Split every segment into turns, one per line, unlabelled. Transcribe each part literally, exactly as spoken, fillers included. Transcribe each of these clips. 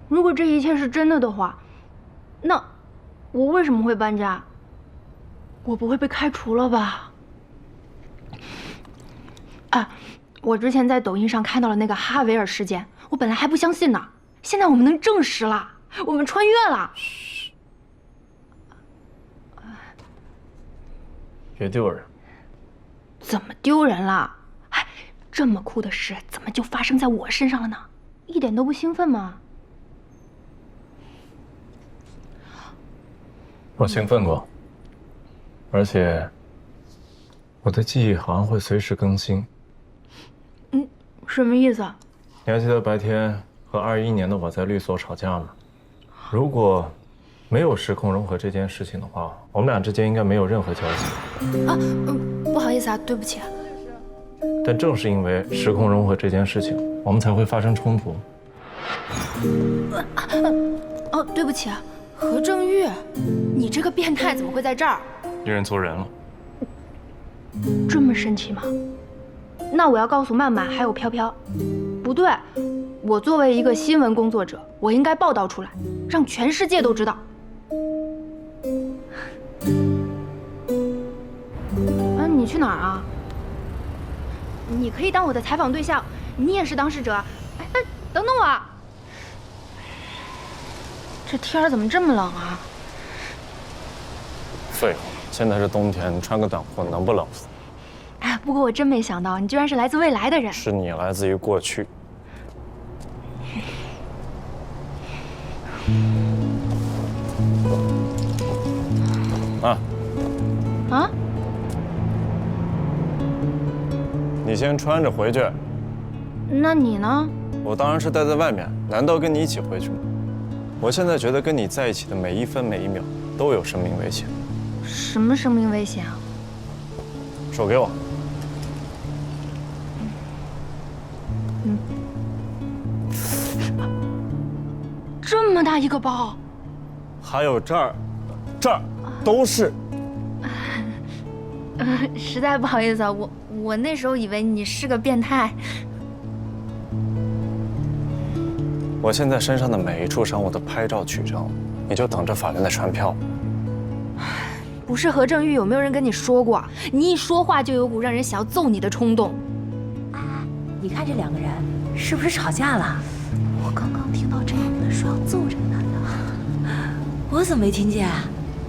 如果这一切是真的的话，那我为什么会搬家？我不会被开除了吧？啊，我之前在抖音上看到了那个哈维尔事件，我本来还不相信呢，现在我们能证实了，我们穿越了。
嘘，别丢人。
怎么丢人了？哎，这么酷的事怎么就发生在我身上了呢？一点都不兴奋吗？
我兴奋过，而且我的记忆好像会随时更新。
嗯，什么意思啊？
你还记得白天和二一年的我在律所吵架吗？如果没有时空融合这件事情的话，我们俩之间应该没有任何交集。
啊，嗯，不好意思啊，对不起。
但正是因为时空融合这件事情，我们才会发生冲突。
哦，对不起啊，何正玉，你这个变态怎么会在这儿？
一人做人了。
这么生气吗？那我要告诉曼曼还有飘飘，不对，我作为一个新闻工作者，我应该报道出来，让全世界都知道。啊，你去哪儿啊？你可以当我的采访对象，你也是当事者。哎哎，等等我啊！这天儿怎么这么冷啊？
废话，现在是冬天，你穿个短裤能不冷死？
哎，不过我真没想到，你居然是来自未来的人。
是你来自于过去。啊
啊？
你先穿着回去。
那你呢？
我当然是待在外面，难道跟你一起回去吗？我现在觉得跟你在一起的每一分每一秒都有生命危险。
什么生命危险啊？
手给我。
嗯。这么大一个包。
还有这儿，这儿都是。
呃，实在不好意思啊，我我那时候以为你是个变态。
我现在身上的每一处伤我都拍照取证，你就等着法院的传票。
不是何正玉，有没有人跟你说过，你一说话就有股让人想要揍你的冲动？
哎，你看这两个人是不是吵架了？我刚刚听到这女的说要揍这个男的，我怎么没听见？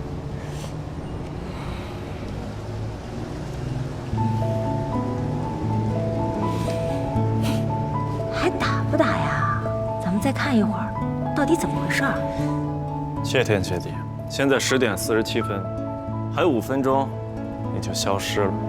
还打不打呀？咱们再看一会儿，到底怎么回事？
谢天谢地，现在十点四十七分，还有五分钟，你就消失了。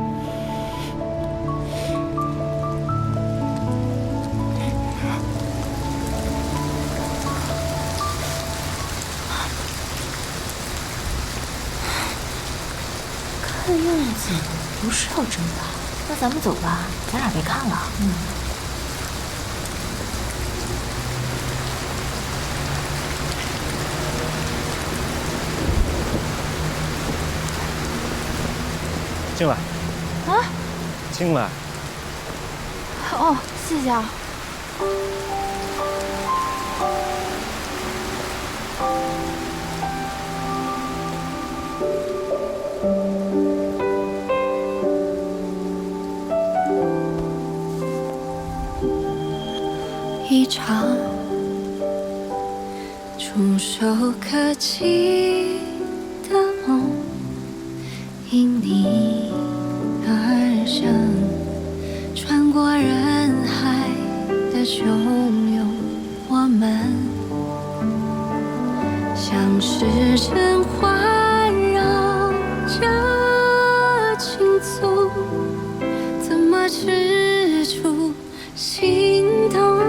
看样子不是要争的，那咱们走吧，咱俩别看了。嗯。
进来。
啊？
进来。
哦，谢谢啊。
一场触手可及的梦，因你而生，穿过人海的汹涌，我们像是阵环绕着轻松，怎么止住心动？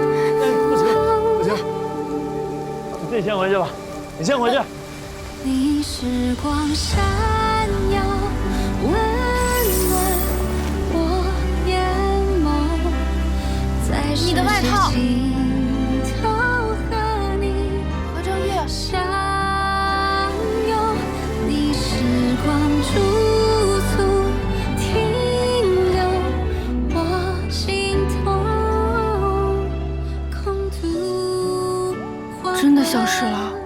你自己先回去吧，你先回去。
你时光闪耀，温暖我眼眸，在
你的外套。
尽头和你
何正玉，
相拥，你时光驻足停留我心头，空独
真的消失了。